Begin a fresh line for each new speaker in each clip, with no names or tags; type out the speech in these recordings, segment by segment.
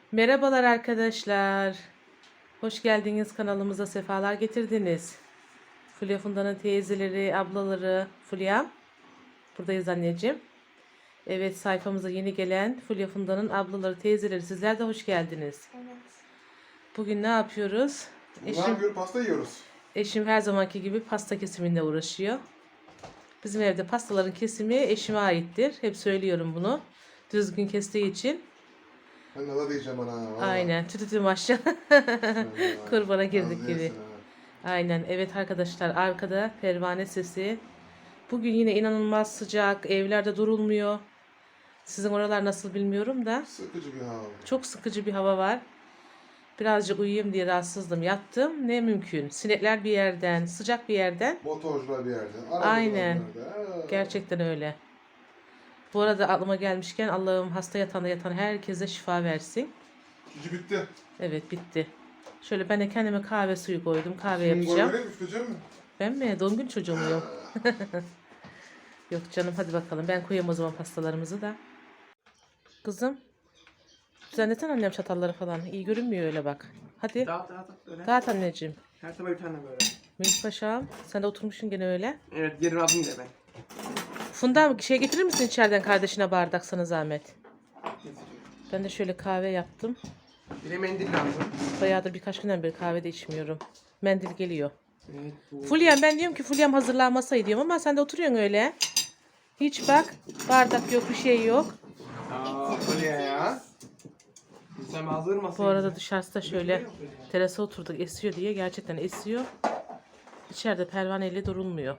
Merhabalar arkadaşlar. Hoş geldiniz kanalımıza, sefalar getirdiniz. Fulya Funda'nın teyzeleri, ablaları, Fulya'm. Buradayız anneciğim. Evet, sayfamıza yeni gelen Fulya Funda'nın ablaları, teyzeleri, sizler de hoş geldiniz.
Evet.
Bugün ne yapıyoruz?
Ne yapıyoruz? Pasta yiyoruz.
Eşim her zamanki gibi pasta kesiminde uğraşıyor. Bizim evde pastaların kesimi eşime aittir. Hep söylüyorum bunu. Düzgün kestiği için.
Ben nada diyeceğim ana. Vallahi.
Aynen. Tütütü maşallah. Kurbana girdik
Nazlı
gibi.
yesin ha.
Aynen. Evet arkadaşlar, arkada pervane sesi. Bugün yine inanılmaz sıcak. Evlerde durulmuyor. Sizin oralar nasıl bilmiyorum da.
Sıkıcı bir hava.
Çok sıkıcı bir hava var. Birazcık uyuyayım diye rahatsızdım. Yattım. Ne mümkün. Sinekler bir yerden, sıcak bir yerden.
Motorcular bir yerde.
Aynen.
Nerede?
Gerçekten öyle. Bu arada aklıma gelmişken Allah'ım hasta yatağında yatan herkese şifa versin.
Gücü bitti.
Evet, bitti. Şöyle ben de kendime kahve suyu koydum. Kahve
Şimdi
yapacağım.
böyle üfleyeceğim mi?
Ben mi? Doğum gün çocuğu muyum? Yok canım, hadi bakalım. Ben koyayım o zaman pastalarımızı da. Kızım. Düzenleten annem çatalları falan. İyi görünmüyor öyle bak. Hadi.
Dağıt öyle.
Dağıt anneciğim.
Her sabah bir tane böyle.
Melih Paşa'm. Sen de oturmuşsun gene öyle.
Evet, yerimi aldım da ben.
Funda şey getirir misin içeriden kardeşine bardak, sana zahmet?
Getiriyorum.
Ben de şöyle kahve yaptım.
Bir de mendil lazım.
Bayağıdır birkaç günden beri kahve de içmiyorum. Mendil geliyor.
Evet, bu.
Fulya'm, ben diyorum ki Fulya'm hazırlanmasaydı diyorum ama sen de oturuyorsun öyle. Hiç bak. Bardak yok, bir şey yok.
Aa, öyle ya. Sen hazır mısın?
Bu arada dışarısı da şöyle terasa oturduk, esiyor diye, gerçekten esiyor. İçeride pervaneyle durulmuyor.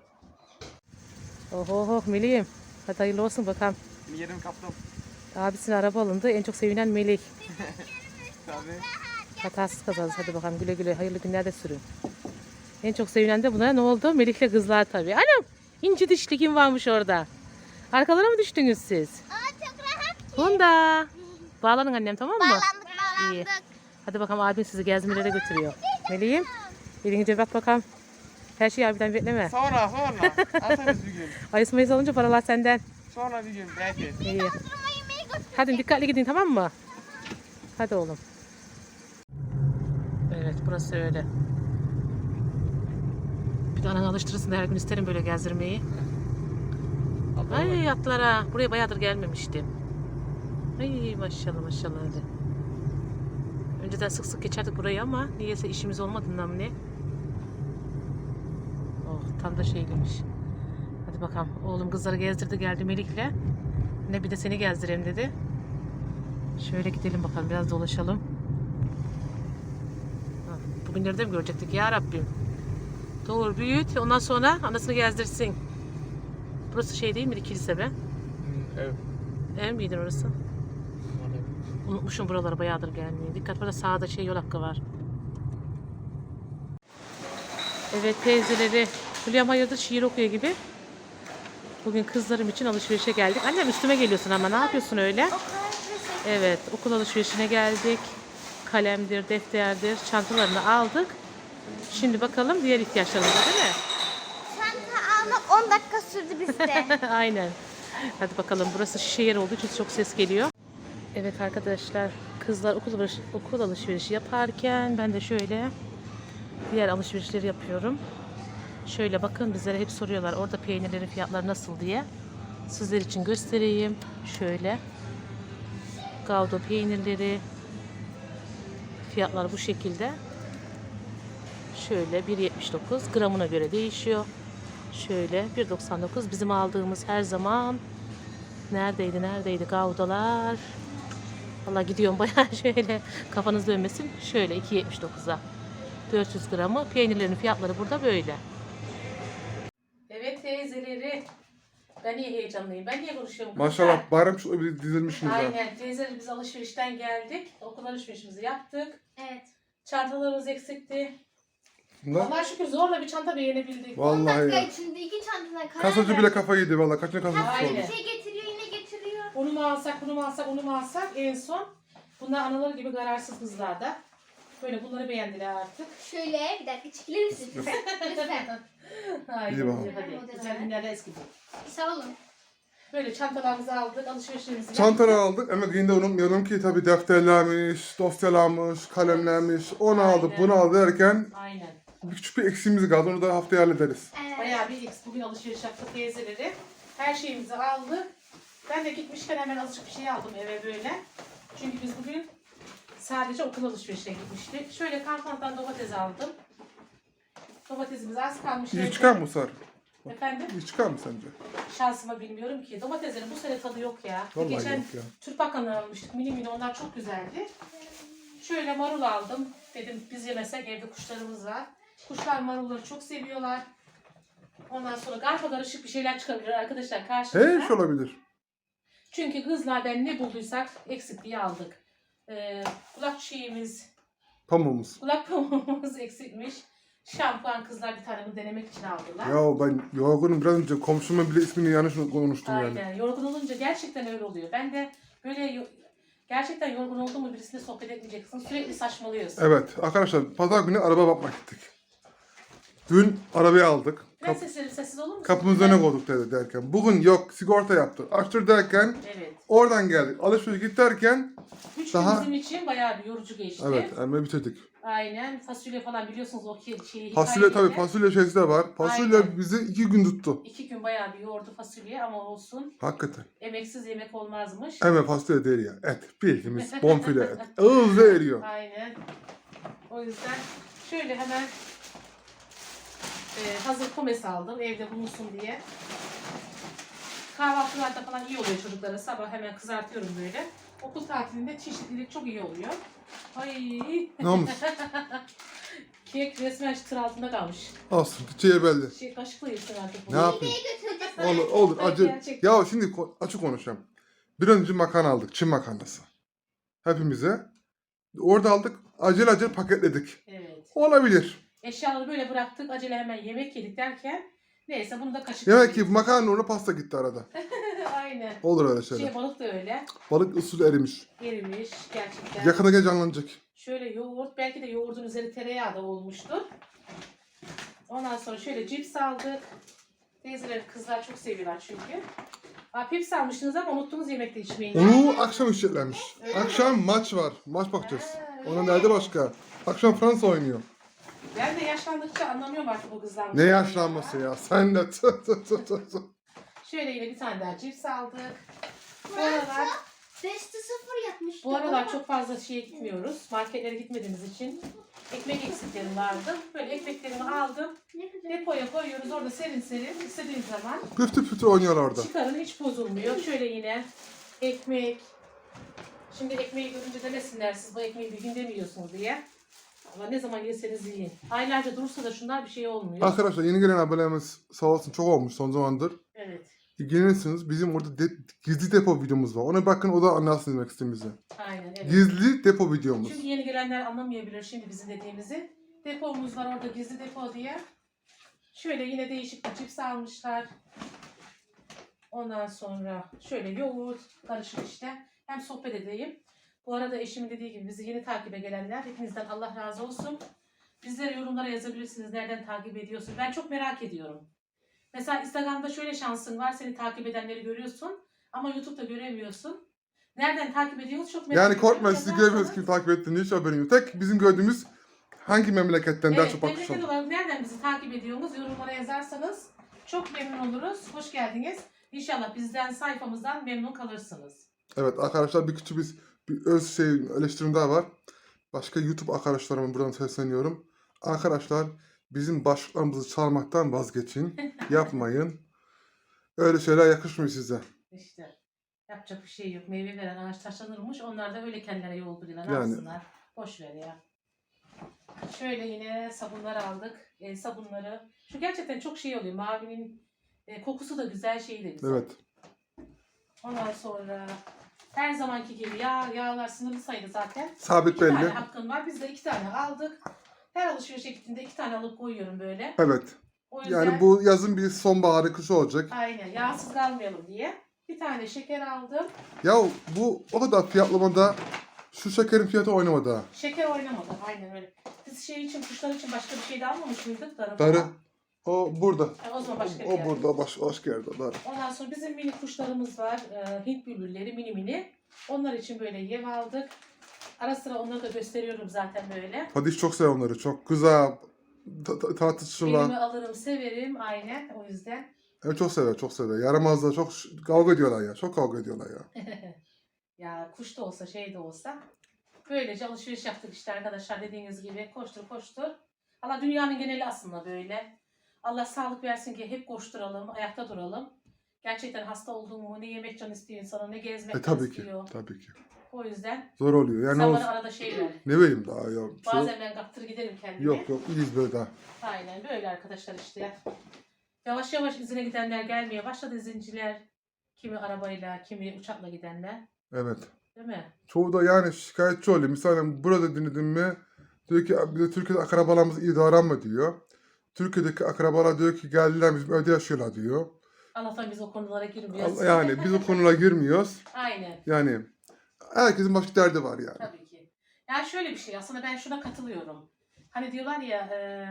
Oho Melih'im. Hadi hayırlı olsun bakalım.
Bir yerim kaptım.
Abisine araba alındı. En çok sevinen Melih.
Tabii.
Hatasız kazanız. Hadi bakalım, güle güle. Hayırlı günlerde sürün. En çok sevinen de buna ne oldu? Melih'le kızlar tabii. Anam! İnci dişli kim varmış orada? Arkalara mı düştünüz siz?
Aa, çok rahat.
Funda. Bağlanın annem, tamam mı?
Bağlandık.
İyi. Hadi bakalım, abin sizi gezmelere götürüyor. Melih'im. Elinize bak bakalım. Her şeyi abiden bekleme.
Sonra. Atarız bir gün.
Ayıs mayıs alınca paralar senden.
Sonra bir gün belki.
İyi. Hadi dikkatli gidin, tamam mı? Hadi oğlum. Evet, burası öyle. Bir de ananı alıştırırsın da her gün isterim böyle gezdirmeyi. Ay yatlara. Buraya bayağıdır gelmemiştim. Ay maşallah maşallah hadi. Önceden sık sık geçerdik burayı ama niyeyse işimiz olmadığından mı ne? Oh, tam da şeymiş. Hadi bakalım. Oğlum kızları gezdirdi geldi Melik'le. Ne bir de seni gezdireyim dedi. Şöyle gidelim bakalım, biraz dolaşalım. Bugünleri de mi görecektik ya Rabbim? Doğru, büyüt, ondan sonra anasını gezdirsin. Burası şey değil miydi, kilise be?
Evet.
Ev miydi orası? Unutmuşum buralara bayağıdır gelmeyi. Dikkat, burada sağda şey, yol hakkı var. Evet teyzeleri. Hülyam hayırdır şiir okuyor gibi. Bugün kızlarım için alışverişe geldik. Annem üstüme geliyorsun ama ne yapıyorsun öyle? Evet, okul alışverişine geldik. Kalemdir, defterdir, çantalarını aldık. Şimdi bakalım diğer ihtiyaçlarımıza, değil mi?
Çanta almak 10 dakika sürdü bizde.
Aynen. Hadi bakalım, burası şişe yer olduğu için çok ses geliyor. Evet arkadaşlar, kızlar okul alışverişi yaparken ben de şöyle diğer alışverişleri yapıyorum. Şöyle bakın, bizlere hep soruyorlar orada peynirlerin fiyatları nasıl diye. Sizler için göstereyim. Şöyle. Gouda peynirleri. Fiyatlar bu şekilde. Şöyle 1.79, gramına göre değişiyor. Şöyle 1.99 bizim aldığımız her zaman. Neredeydi Goudalar. Vallahi gidiyorum bayağı, şöyle kafanız dönmesin. Şöyle 2.79'a 400 gramı. Peynirlerin fiyatları burada böyle. Evet teyzeleri. Ben niye heyecanlıyım? Ben niye konuşuyorum?
Maşallah bayram çocukları bir dizilmişsiniz ha.
Aynen. Teyzeleri, biz alışverişten geldik. Okul alışverişimizi yaptık.
Evet.
Çantalarımız eksikti.
Bunda
Allah'a şükür zorla bir çanta beğenebildik.
10
vallahi
dakika
ya.
içinde 2 çantadan karar
Kasacı bile
verdik.
kafayı yedi vallahi. Kaçına kasacı
Aynen.
oldu.
Bir şey getiriyor, yine getiriyor.
Onu mu alsak, bunu mu alsak, onu mu alsak, en son bunlar anaları gibi kararsız kızlar da. Böyle bunları beğendiler artık.
Şöyle bir dakika çekilir misin? Lütfen.
Haydi
İyi bakalım.
hadi. Güzel günlerde eski bu.
Sağ olun.
Böyle çantalarımızı aldık, alışverişlerimizi
Çantaları
yaptık.
aldık ama yine de unutmayalım ki tabii defterlermiş, dosyalarmış, kalemlermiş. Onu aldık,
Aynen.
bunu aldık derken
Aynen.
küçük bir eksiğimiz kaldı. Onu da haftaya hallederiz.
Evet.
Bayağı bir bugün alışveriş yaptık teyzeleri. Her şeyimizi aldık. Ben de gitmişken hemen azıcık bir şey aldım eve böyle. Çünkü biz bugün sadece okul alışverişine gitmiştik. Şöyle Carrefour'dan domates aldım. Domatesimiz az kalmış.
İyi
evde.
çıkar mı Sar?
Efendim?
İyi çıkar mı sence?
Şansıma bilmiyorum ki. Domateslerin bu sene tadı yok ya.
Vallahi
Geçen
yok ya.
Türk Bakan'dan almıştık. Mini mini onlar çok güzeldi. Şöyle marul aldım. Dedim biz yemesek evde kuşlarımız var. Kuşlar marulları çok seviyorlar. Ondan sonra garpa karışık bir şeyler çıkabilir arkadaşlar karşımıza.
Her şey olabilir.
Çünkü kızlardan ne bulduysak eksikliği aldık. Kulak çiğimiz,
Pamuğumuz.
kulak pamuğumuz eksikmiş. Şampuan kızlar bir tane bunu denemek için aldılar.
Ya ben yorgunum, biraz önce komşumun bile ismini yanlış konuştum yani.
Aynen. Yorgun olunca gerçekten öyle oluyor. Ben de böyle gerçekten yorgun oldum mu birisine sohbet etmeyeceksin. Sürekli saçmalıyorsun.
Evet arkadaşlar, pazar günü araba bakmak gittik. Dün arabayı aldık.
Biraz sessiz olur musun?
Kapımızın önüne koyduk derken. Bugün yok, sigorta yaptık. Açtır derken
Evet.
oradan geldik. Alışveriş git derken
3
Daha-
gün bizim için bayağı bir yorucu geçti.
evet hemen bitirdik.
Aynen. Fasulye falan biliyorsunuz o şeyi.
Fasulye tabii, fasulye şeysi de var. Fasulye
Aynen.
bizi 2 gün tuttu.
2 gün bayağı bir yoğurdu fasulye ama olsun.
Hakikaten.
Emeksiz yemek olmazmış.
Hemen fasulye değil ya. Et. Bildiğimiz bonfile et. Ağızda eriyor.
Aynen. O yüzden şöyle hemen hazır pomes aldım evde bulunsun diye. Kahvaltılarda falan iyi oluyor çocuklara. Sabah hemen kızartıyorum böyle. Okul tatilinde çeşitlilik çok iyi oluyor. Ay.
Ne olmuş?
Kek resmen çıtır altında kalmış.
Olsun. Bütçeye belli.
Kaşıkla yesin artık bunu.
Ne yapayım?
Götüreceksin.
Olur. Acı.
Gerçekten.
Ya şimdi açık konuşacağım. Bir önce makarna aldık. Çin makarnası. Hepimize. Orada aldık. Acele paketledik.
Evet.
Olabilir.
Eşyaları böyle bıraktık. Acele hemen yemek yedik derken neyse bunu da kaşık.
Demek ki makarna uğruna pasta gitti arada.
Aynen.
Olur öyle şeyler.
Balık da öyle.
Balık usulü erimiş.
Erimiş gerçekten.
Yakında gel canlanacak.
Şöyle yoğurt, belki de yoğurdun üzeri tereyağı da olmuştur. Ondan sonra şöyle cips aldık. Teyzeler, kızlar çok seviyorlar çünkü. Pips almıştınız ama unuttunuz yemekte içmeyi.
Onu akşam işletlenmiş.
Öyle mi?
Akşam maç var. Maç bakacağız.
Ha, öyle
Onun
mi?
nerede başka? Akşam Fransa oynuyor.
Ben de yaşlandıkça anlamıyorum artık bu kızlar.
Ne yaşlanması ya? Sen de.
Şöyle yine bir tane daha cips aldık. Bu aralar,
5'te 0 yapmış.
bu aralar çok fazla şeye gitmiyoruz. Marketlere gitmediğimiz için ekmek eksiklerim vardı. Böyle ekmeklerimi aldım.
Ne güzel.
Depoya koyuyoruz. Orada serin serin istediğiniz zaman
Püftü püftü oynuyor orada.
çıkarın, hiç bozulmuyor. Şöyle yine ekmek. Şimdi ekmeği görünce demesinler siz bu ekmeği bir günde mi yiyorsunuz diye. Ama ne zaman yeseniz yiyin. Aylarca durursa da şunlar bir şey olmuyor.
Arkadaşlar yeni gelen abonelerimiz sağ olsun çok olmuş son zamandır.
Evet.
İlgilenirsiniz. Bizim orada gizli depo videomuz var. Ona bakın, o da anlarsın demek istediğimizi.
Aynen evet.
Gizli depo videomuz.
Çünkü yeni gelenler anlamayabilir şimdi bizim dediğimizi. Depomuz var orada, gizli depo diye. Şöyle yine değişik bir cips almışlar. Ondan sonra şöyle yoğurt karışık işte. Hem sohbet edeyim. Bu arada eşimin dediği gibi bizi yeni takibe gelenler hepinizden Allah razı olsun. Bizlere yorumlara yazabilirsiniz nereden takip ediyorsun. Ben çok merak ediyorum. Mesela Instagram'da şöyle şansın var. Seni takip edenleri görüyorsun. Ama YouTube'da göremiyorsun. Nereden takip ediyoruz çok merak
Yani
ediyorum.
korkmayın, sizi
Yazarsanız-
görmüyoruz kim takip ettiğini, hiç haberin yok. Tek bizim gördüğümüz hangi memleketten daha
Evet,
çok
memleket
bakışan.
olarak nereden bizi takip ediyorsunuz yorumlara yazarsanız çok memnun oluruz. Hoş geldiniz. İnşallah bizden, sayfamızdan memnun kalırsınız.
Evet arkadaşlar, bir küçük bir öz eleştirim daha var. Başka YouTube arkadaşlarıma buradan sesleniyorum. Arkadaşlar, bizim başlıklarımızı çalmaktan vazgeçin. Yapmayın. Öyle şeyler yakışmıyor size.
İşte yapacak bir şey yok. Meyve veren ağaç taşlanırmış. Onlar da öyle kendilerine yol buluyorlar. Ne
Yani.
yapsınlar? Boş ver ya. Şöyle yine sabunlar aldık. Sabunları. Şu gerçekten çok şey oluyor. Mavinin kokusu da güzel, şeyi de güzel.
Evet.
Ondan sonra her zamanki gibi yağlar sınırlı sayıda zaten.
Sabit
2 tane
belli.
hakkım var. Biz de 2 tane aldık. Her alışverişe gittiğimde 2 tane alıp koyuyorum böyle.
Evet.
O yüzden
Yani bu yazın bir sonbaharı, kışı olacak.
aynen yağsız kalmayalım diye. Bir tane şeker aldım.
Ya bu o kadar fiyatlamada şu şekerin fiyatı oynamadı ha.
Şeker oynamadı. Aynen öyle. Biz şey için, kuşlar için başka bir şey de almamış mıydık? Darı.
Darı.
falan.
O burada.
O zaman başka bir
O
yer.
burada başka yerde. Doğru.
Ondan sonra bizim mini kuşlarımız var. Hint bülbülleri mini mini. Onlar için böyle yem aldık. Ara sıra onları da gösteriyorum zaten böyle.
Hadi çok sever onları. Çok güzel. Tartışırlar.
Elime alırım, severim aynen o yüzden.
Evet çok sever, çok sever. Yaramazlar, çok kavga ediyorlar ya. Çok kavga ediyorlar ya.
Ya kuş da olsa şey de olsa. Böylece alışveriş yaptık işte arkadaşlar, dediğiniz gibi koştur koştur. Allah dünyanın geneli aslında böyle. Allah sağlık versin ki hep koşturalım, ayakta duralım. Gerçekten hasta olduğum mu, ne yemek can istiyor insana, ne gezmek can
Tabii ki,
istiyor.
tabii ki.
O yüzden
Zor oluyor. Yani
sen
o,
bana arada şey ver.
ne vereyim daha ya.
Bazen ben kaptır giderim kendime.
Yok, iyiyiz böyle daha.
Aynen böyle arkadaşlar işte. Yavaş yavaş izine gidenler gelmeye başladı, izinciler. Kimi arabayla, kimi uçakla gidenler.
Evet.
Değil mi?
Çoğu da yani şikayetçi oluyor. Mesela burada dinledim mi diyor ki bir de Türkiye'de akrabalarımız iyi davranma diyor. Türkiye'deki akrabalar diyor ki geldiler bizim evde yaşıyorlar diyor.
Allah'tan biz o konulara girmiyoruz.
Yani biz o konulara girmiyoruz.
Aynen.
Yani herkesin başka derdi var yani.
Tabii ki. Yani şöyle bir şey aslında, ben şuna katılıyorum. Hani diyorlar ya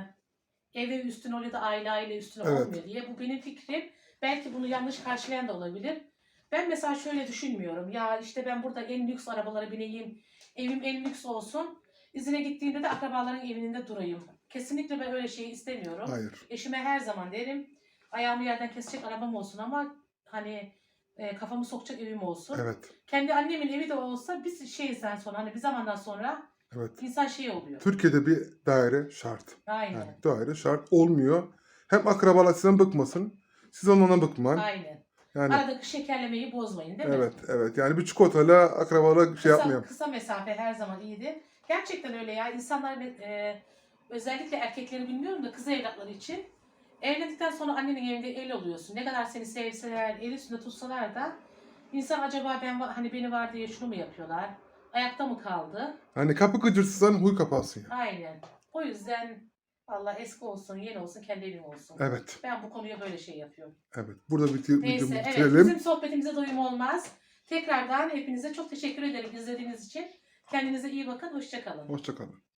ev üstün oluyor da aile üstün
Evet.
olmuyor diye. Bu benim fikrim. Belki bunu yanlış karşılayan da olabilir. Ben mesela şöyle düşünmüyorum. Ya işte ben burada en lüks arabalara bineyim. Evim en lüks olsun. İzine gittiğimde de akrabaların evinde durayım. Kesinlikle ben öyle şeyi istemiyorum.
Hayır.
Eşime her zaman derim. Ayağımı yerden kesecek arabam olsun ama hani kafamı sokacak evim olsun.
Evet.
Kendi annemin evi de olsa biz şeyizden sonra hani bir zamandan sonra
Evet.
insan şey oluyor.
Türkiye'de bir daire şart.
Aynen.
Yani daire şart olmuyor. Hem akrabalar sizden bıkmasın. Siz ondan bıkmayın.
Aynen.
Yani
Aradaki şekerlemeyi bozmayın değil mi?
evet. Yani bir çikolatayla akrabalar şey yapmayalım.
Kısa mesafe her zaman iyidir. Gerçekten öyle ya. İnsanlar özellikle erkekleri bilmiyorum da kız evlatları için evlendikten sonra annenin evinde el oluyorsun. Ne kadar seni sevseler, el üstünde tutsalar da insan acaba hani beni var diye şunu mu yapıyorlar? Ayakta mı kaldı?
Hani kapı gıcırtsan huy kapansın ya.
Aynen. O yüzden Allah eski olsun, yeni olsun, kendi evim olsun.
Evet.
Ben bu konuya böyle şey yapıyorum.
Evet. Burada
Neyse,
videomuzu
evet,
bitirelim.
bizim sohbetimize doyum olmaz. Tekrardan hepinize çok teşekkür ederim izlediğiniz için. Kendinize iyi bakın, hoşça kalın.
Hoşça kalın.